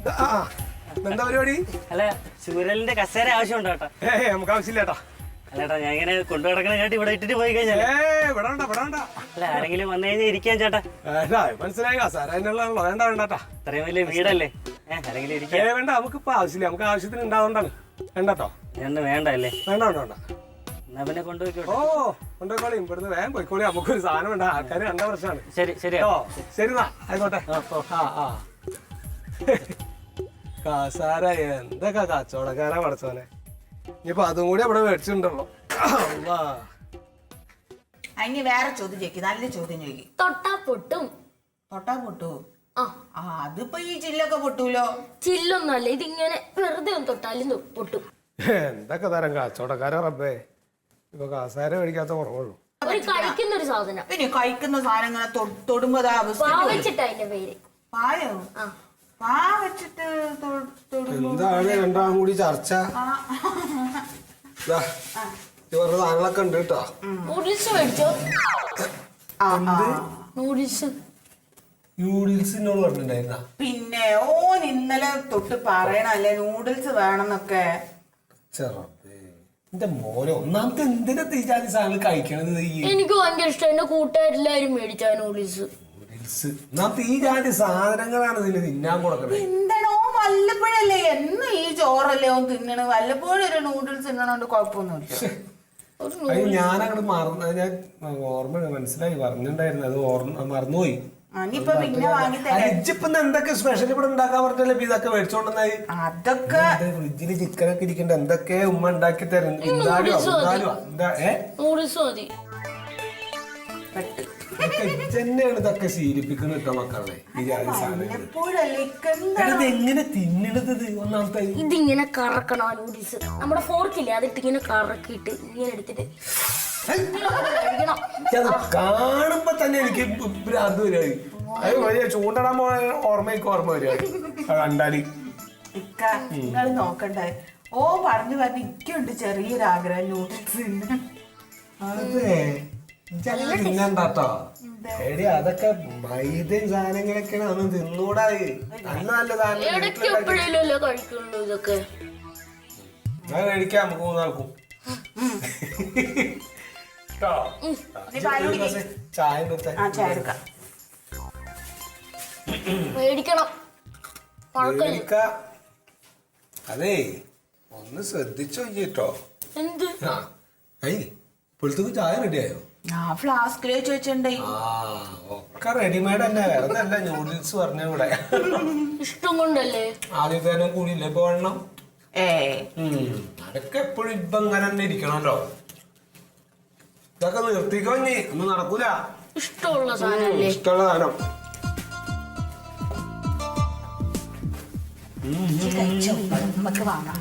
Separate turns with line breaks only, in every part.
എന്താ പരിപാടി?
അല്ല ചൂരലിന്റെ കസേര ആവശ്യമുണ്ടോ കേട്ടോ?
നമുക്ക് ആവശ്യമില്ല കേട്ടോ.
അല്ലേട്ടാ ഞാൻ ഇങ്ങനെ കൊണ്ടുനടക്കണ കേട്ട് ഇവിടെ ഇട്ടിട്ട് പോയി കഴിഞ്ഞാൽ അല്ല ആരെങ്കിലും വന്നു കഴിഞ്ഞാൽ ഇരിക്കാൻ ചേട്ടാ.
മനസ്സിലായി കസാര വേണ്ട വേണ്ടാ.
ഇത്രയും വലിയ വീടല്ലേ, ആരെങ്കിലും ഇരിക്കാൻ
വേണ്ട. നമുക്കിപ്പോ ആവശ്യമില്ല, നമുക്ക് ആവശ്യത്തിന് ഉണ്ടാവുകൊണ്ടാണ്. വേണ്ടട്ടോ.
വേണ്ട അല്ലേ?
വേണ്ട വേണ്ട വേണ്ട.
എന്നാ പിന്നെ കൊണ്ടുപോയിക്കോട്ടെ.
കൊണ്ടുപോയിക്കോളി. ഇവിടുന്ന് വേഗം പോയിക്കോളി. നമുക്കൊരു സാധനം വേണ്ട. ആൾക്കാർ കണ്ട പ്രശ്നമാണ്.
ശരി ശരി
ശരി എന്നാ ആയിക്കോട്ടെ. കസാര എന്തൊക്കെ കച്ചവടക്കാരാ പഠിച്ചോനെ. ഇനിയിപ്പൊ അതും കൂടി അവിടെ മേടിച്ചിട്ടുണ്ടല്ലോ.
അതിന് വേറെ ചോദ്യം ചോദിക്കും, നല്ല ചോദ്യം ചോദിക്കും.
തൊട്ടാ പൊട്ടും.
തൊട്ടാ പൊട്ടു? അതിപ്പോ ഈ ചില്ലൊക്കെ പൊട്ടൂലോ.
ചില്ലൊന്നുമല്ല, ഇതിങ്ങനെ വെറുതെ ഒന്ന് തൊട്ടാലും പൊട്ടും.
എന്തൊക്കെ തരം കച്ചവടക്കാരാ റബ്ബേ. ഇപ്പൊ കസാര മേടിക്കാത്ത കുറവുള്ളൂ.
കഴിക്കുന്ന ഒരു സാധനം.
പിന്നെ കഴിക്കുന്ന സാധനങ്ങളെ തൊടുമ്പോ
വെച്ചിട്ടാ അതിന്റെ പേര്.
പായോ? പാ വെച്ചിട്ട്
എന്താണ് രണ്ടാം കൂടി ചർച്ച? സാധനങ്ങളൊക്കെ ഉണ്ട് കേട്ടോ.
നൂഡിൽസ് മേടിച്ചോ? നൂഡിൽസ്
ന്യൂഡിൽസിനോട് പറഞ്ഞിട്ടുണ്ടായിരുന്ന.
പിന്നെ ഓൻ ഇന്നലെ തൊട്ട് പറയണല്ലേ നൂഡിൽസ് വേണമെന്നൊക്കെ.
എന്റെ മോനെ ഒന്നാമത്തെ എന്തിനാ തീജാതി സാധനങ്ങൾ കഴിക്കണത്?
എനിക്ക് ഭയങ്കര ഇഷ്ടം. എന്റെ കൂട്ടുകാരെല്ലാരും മേടിച്ചാ നൂഡിൽസ്.
ഒന്നാമത്തെ ഈ ജാതി സാധനങ്ങളാണ് ഇതിന് തിന്നാൻ കൊടുക്കണത്.
എന്താണോ വല്ലപ്പോഴല്ലേ, എന്ന് ഈ ചോറല്ലേ ഓൻ തിന്നണ്. വല്ലപ്പോഴും ഒരു നൂഡിൽസ് തിന്നണോണ്ട് കുഴപ്പമൊന്നുമില്ല.
ഞാനങ്ങോട്ട് മറന്നു. ഞാൻ ഓർമ്മ മനസ്സിലായി പറഞ്ഞിട്ടുണ്ടായിരുന്നു, അത് മറന്നുപോയി. എന്തൊക്കെ സ്പെഷ്യൽ ഇവിടെ ഉണ്ടാക്കാൻ പറഞ്ഞല്ലേ ഇതൊക്കെ മേടിച്ചോണ്ടെന്നായി.
അതൊക്കെ
ഫ്രിഡ്ജില് ചിക്കനൊക്കെ ഇരിക്കണ്ട. എന്തൊക്കെ ഉമ്മ ഉണ്ടാക്കി തരുന്നു. ഇതൊക്കെ ശീലിപ്പിക്കുന്ന കേട്ടോ മക്കളെ. എങ്ങനെ തിന്നണത് ഒന്നാമത്തെ?
ഇതിങ്ങനെ കറക്കണം നൂഡിൽസ്. നമ്മുടെ ഫോർക്കില്ലേ, അതിട്ട് ഇങ്ങനെ കറക്കിയിട്ട് ഇങ്ങനെ എടുത്തിട്ട്
കാണുമ്പോ തന്നെ എനിക്ക് ഭ്രാന്ത് വരികയായി. അത് വലിയ ചൂണ്ടടാൻ പോയ ഓർമ്മ വരിക കണ്ടാല്.
നിങ്ങൾ നോക്കണ്ടേ, ഓ പറഞ്ഞു എനിക്കുണ്ട് ചെറിയൊരാഗ്രഹം നൂഡിൽസ്
തിന്നണ്ടാട്ടോ. എടി അതൊക്കെ മൈദയും സാധനങ്ങളൊക്കെയാണ്. അതൊന്നും തിന്നൂടായി. നല്ല നല്ല സാധനം കഴിക്കാം നമുക്ക് മൂന്നാൾക്കും. ചായ അതേ ഒന്ന് ശ്രദ്ധിച്ചു കേട്ടോ. ഇപ്പോഴത്തേക്ക് ചായ റെഡിയായോ?
ഫ്ലാസ്കിൽ വെച്ചിട്ടുണ്ടേ.
ഒക്കെ റെഡിമെയ്ഡ് തന്നെ, വേറെ നല്ല നൂഡിൽസ് പറഞ്ഞ ഇവിടെ
ഇഷ്ടം കൊണ്ടല്ലേ.
ആദ്യത്തേനും കൂടിയില്ല ഇപ്പൊ വേണം. അതൊക്കെ എപ്പോഴും ഇപ്പൊ ഇങ്ങനെ തന്നെ ഇരിക്കണല്ലോ. ഇതൊക്കെ നിർത്തിക്കോ, ഇനി ഒന്നും നടക്കൂല.
ഇഷ്ടമുള്ള സാധനം.
ഇഷ്ടമുള്ള സാധനം.
നമുക്ക് വാങ്ങാം.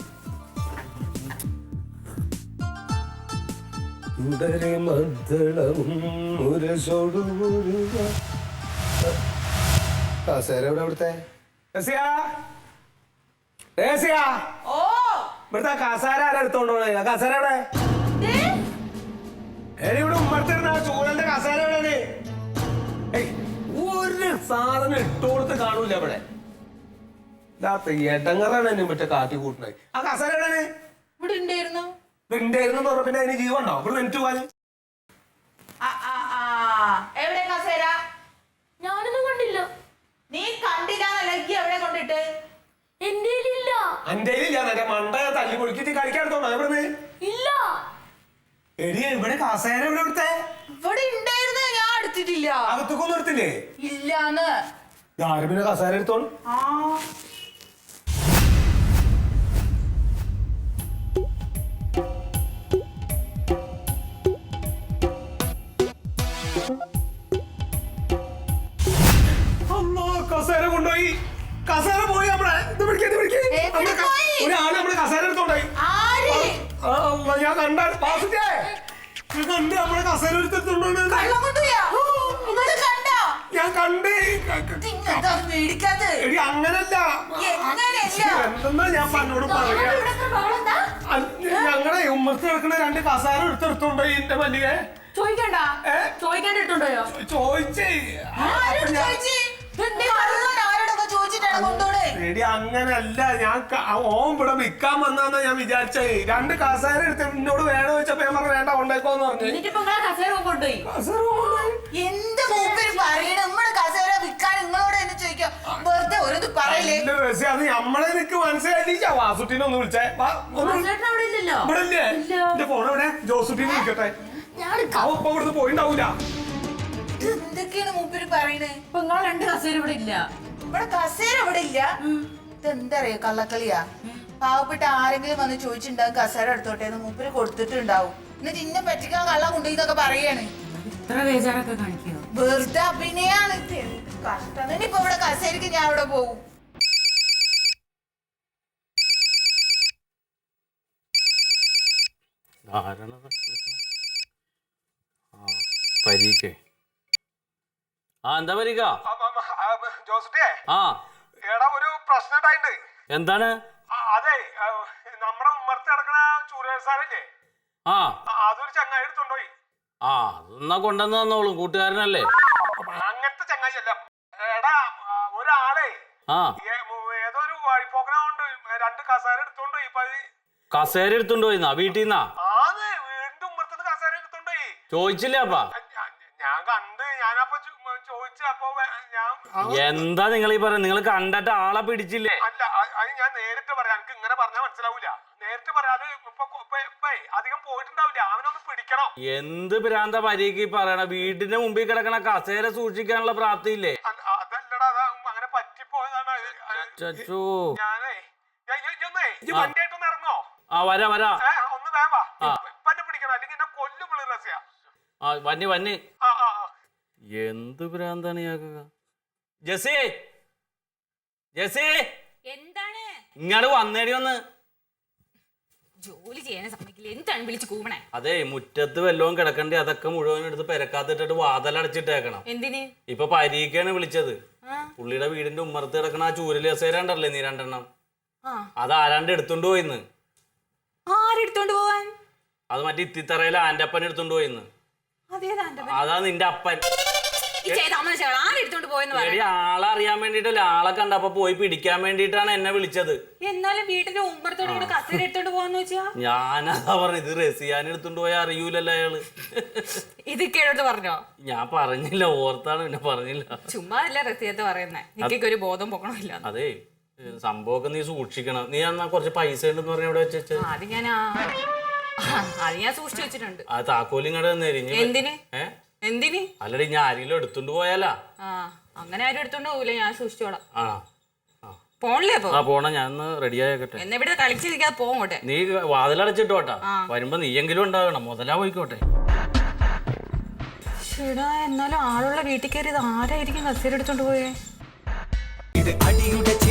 കസേര എവിടെ? ഇവിടുത്തെ ഇവിടുത്തെ കസാര ആരാ എടുത്തോണ്ട് പോണേ? കസാര എവിടെ? ഇവിടെ ഉമ്മർത്തിരുന്ന ചൂരന്റെ കസാര എവിടെയാണ്? ഒരു സാധനം ഇട്ടുകൊടുത്ത് കാണൂല ഇവിടെ. എടങ്ങറാണ് എന്നെ മറ്റേ കാട്ടി കൂട്ടുന്നത്. ആ കസാര എവിടെയാണ്?
ഇവിടെ ഉണ്ടായിരുന്നു.
ഉണ്ടായിരുന്നു പറഞ്ഞ പിന്നെ അതിന് ജീവണ്ടോ? ഇവിടെ മിനിറ്റ് പോവാൻ.
എവിടെ കസേര?
ഞാനൊന്നും കണ്ടില്ല.
നീ കണ്ടില്ലാന്നല്ല എവിടെ കൊണ്ടിട്ട്?
എന്റെ ഇല്ല.
എന്റെ ഇല്ല. മണ്ട തല്ലി പൊളിക്കിട്ട് കളിക്കാടുത്തോണ്ടോ എവിടുന്ന്?
ഇല്ല.
എടി ഇവിടെ കസേര എവിടെ? ഇവിടുത്തെ
ഇവിടെ ഉണ്ടായിരുന്നു, ഞാൻ എടുത്തിട്ടില്ല.
അകത്തൊക്കൊന്നും എടുത്തില്ലേ?
ഇല്ലാന്ന്.
ആരും പിന്നെ കസേര എടുത്തോണ്ട്. കസേര കൊണ്ടുപോയി. കസേര പോയി. ഒരാള് നമ്മുടെ കസേര എടുത്തോണ്ടായി. ഞാൻ കണ്ട നമ്മുടെ കസേര എടുത്തോണ്ട് ഞാൻ കണ്ടേ. എടി അങ്ങനല്ല, എന്തെന്നാ ഞാൻ പന്നോട് പറയാ. ഞങ്ങളുടെ ഉമ്മത്ത് കിടക്കുന്ന രണ്ട് കസേര എടുത്തെടുത്തോണ്ടായി എന്റെ മല്ലികെ. ചോദിച്ചേ. എടി അങ്ങനല്ല ഞാൻ ഓൻ ഇവിടെ വിൽക്കാൻ വന്നാന്നാ ഞാൻ വിചാരിച്ചത്. 2 കസേര എടുത്ത് എന്നോട് വേണോ ചോദിച്ചപ്പോ ഞാൻ പറഞ്ഞു വേണ്ട കൊണ്ടേക്കോന്ന് പറഞ്ഞു.
എന്ത് മൂപ്പര് പറയണ നമ്മള് കസേര വിൽക്കാൻ നിങ്ങളോട് എന്നെ ചോദിക്കാം. വെറുതെ ഒരു പറയില്ലേ.
അത് നമ്മളെ നിനക്ക് മനസ്സിലായിട്ടില്ല. വാസുട്ടിനെ ഒന്ന് വിളിച്ചേ. ഇവിടെ ഇല്ലേ എന്റെ ഫോൺ എവിടെ? ജോസുട്ടിനെ വിളിക്കട്ടെ. അവ ഇപ്പൊ ഇവിടുന്ന് പോയിണ്ടാവൂല.
എന്തൊക്കെയാണ് മൂപ്പര് പറയണേ?
ഇപ്പൊ നിങ്ങൾ 2 കസേര ഇവിടെ ഇല്ല.
ഇവിടെ കസേര ഇവിടെ ഇല്ല. ഇതെന്താ അറിയോ കള്ളക്കളിയാ. പാവപ്പെട്ട ആരെങ്കിലും വന്ന് ചോദിച്ചിട്ടുണ്ടാവും കസേര എടുത്തോട്ടെ എന്ന് മൂപ്പര് കൊടുത്തിട്ടുണ്ടാവും. എന്നിട്ട് ഇന്നെ പറ്റിക്കാൻ കള്ള കൊണ്ടുപോയിന്നൊക്കെ പറയാണ്.
ഇത്ര ബേജാറൊക്കെ കാണിക്കോ?
വെറുതെ അഭിനയാണ്. കഷ്ടം. ഇനിയിപ്പോ ഇവിടെ കസേരക്ക് ഞാൻ ഇവിടെ പോകും.
പരീക്കേ എന്താ പരീക്ക?
ജോസുട്ടിയെ
ആ
എടാ ഒരു പ്രശ്നം ഉണ്ടായിട്ടുണ്ട്.
എന്താണ്?
അതെ നമ്മുടെ ഉമ്മർത്ത് കിടക്കണ ചൂരസാരല്ലേ,
ആ
അതൊരു ചങ്ങായി എടുത്തുണ്ടോയി.
ആ എന്നാ കൊണ്ടുവന്ന് തന്നോളും, കൂട്ടുകാരനല്ലേ.
അങ്ങനത്തെ ചങ്ങായി അല്ല. എടാ ഒരാളെ
ആ
ഏതോ ഒരു വഴിപ്പോക്കണോണ്ട് 2 കസേര എടുത്തോണ്ടോയി.
കസേര എടുത്തുണ്ടോയിന്നാ വീട്ടിൽ നിന്നാ?
ആന്ന് വീണ്ടും ഉമ്മർത്തുനിന്ന് കസേര എടുത്തോണ്ടോയി.
ചോദിച്ചില്ലേ അപ്പാ?
ഞാൻ കണ്ട് ഞാനപ്പൊ ചോദിച്ചു. അപ്പൊ ഞാൻ
എന്താ നിങ്ങൾ ഈ പറയുന്നത്? നിങ്ങൾ കണ്ടിട്ട് ആളെ പിടിച്ചില്ലേ?
അല്ല അത് ഞാൻ നേരിട്ട് പറയാം. എനിക്ക് ഇങ്ങനെ പറഞ്ഞാൽ മനസ്സിലാവൂല. നേരിട്ട് പറയാതെ അധികം പോയിട്ടുണ്ടാവില്ല. അവനൊന്ന് പിടിക്കണം.
എന്ത് ഭ്രാന്ത പരീക്ക് പറയണ? വീടിന്റെ മുമ്പിൽ കിടക്കണ കസേര സൂക്ഷിക്കാനുള്ള പ്രാപ്തിയില്ലേ?
അതല്ലടാ അങ്ങനെ പറ്റിപ്പോയതാണ്. ഞാനേ വണ്ടിയായിട്ടൊന്ന് ഇറങ്ങോ?
ആ വരാ വരാ.
ഒന്ന് വേവാ. ഇപ്പൊ എന്നെ പിടിക്കണം, അല്ലെങ്കിൽ എന്നെ കൊല്ലും പിള്ളേർ രസ്യ.
ആ വന്നി വന്നി. എന്ത് ഭ്രാന്താണ് ഇയാൾക്ക്? ജസി ജസി
എന്താണ്?
ഇങ്ങോട്ട് വന്നേടി ഒന്ന്.
ജോലി ചെയ്യാൻ സമ്മതിക്കില്ല. എന്താണ് വിളിച്ചു കൂവണേ?
അതെ മുറ്റത്ത് വല്ലതും കിടക്കണ്ടേ അതൊക്കെ മുഴുവൻ എടുത്ത് പെരക്കാത്തിട്ടിട്ട് വാതലടച്ചിട്ടേക്കണം.
എന്തിന്?
ഇപ്പൊ പരീക്കാണ് വിളിച്ചത്. പുള്ളിയുടെ വീടിന്റെ ഉമ്മറത്ത് കിടക്കണ ആ ചൂരല് കസേര ഉണ്ടല്ലേ നീ 2 അത് ആരാണ്ട് എടുത്തോണ്ട് പോയിന്ന്.
ആരെടുത്തോണ്ട് പോവാൻ?
അത് മറ്റേ ഇത്തിത്തറയില് ആന്റപ്പൻ എടുത്തോണ്ട് പോയിന്ന്. അതാ നിന്റെ അപ്പൻ.
ആരെടുത്തോണ്ട് പോയെന്ന്
എടി ആളെ അറിയാൻ വേണ്ടിട്ടല്ലേ, ആളെ കണ്ടപ്പോ പോയി പിടിക്കാൻ വേണ്ടിട്ടാണ് എന്നെ വിളിച്ചത്.
എന്നാലും വീട്ടിന്റെ ഉമ്മറത്തോടെ കസേര എടുത്തോണ്ട് പോവാന്ന് വെച്ചാ?
ഞാനതാ പറഞ്ഞു, ഇത് റസിയാൻ എടുത്തോണ്ട് പോയാ അറിയൂലല്ലോ അയാള്.
ഇത് കേടോട്ട് പറഞ്ഞോ?
ഞാൻ പറഞ്ഞില്ല, ഓർത്താണ് പിന്നെ പറഞ്ഞില്ല.
ചുമ്മാ അല്ല റസിയത്ത് പറയുന്നേ. എനിക്കൊക്കെ ഒരു ബോധം പോകണമില്ല.
അതെ സംഭവമൊക്കെ നീ സൂക്ഷിക്കണം. നീ എന്നാ കുറച്ച് പൈസ ഉണ്ടെന്ന് പറഞ്ഞ ഇവിടെ വെച്ചു.
അത് ഞാൻ സൂക്ഷിച്ചു വെച്ചിട്ടുണ്ട്.
ആ താക്കോലും ഇങ്ങോട്ട് തന്നേരി.
എന്തിന്? എന്തിന്?
അല്ലടി ഞാൻ ആരെങ്കിലും എടുത്തോണ്ട് പോയാലാ?
അങ്ങനെ ആരും എടുത്തോണ്ട് പോവില്ല, ഞാൻ സൂക്ഷിച്ചോളാം. പോണില്ലേ അപ്പൊ?
ആ പോണ, ഞാൻ റെഡി ആയിക്കോട്ടെ.
എന്നെ ഇവിടെ കളിച്ചിരിക്കാതെ പോകട്ടെ.
നീ വാതിലടച്ചിട്ടോട്ടാ, വരുമ്പോ നീയെങ്കിലും ഉണ്ടാകണം. മുതലാ പോയിക്കോട്ടെ.
ചേടാ എന്നാലും ആളുള്ള വീട്ടിൽ കയറി ഇത് ആരായിരിക്കും കസേര എടുത്തോണ്ട് പോയേ?
ഇത് അടിയുടെ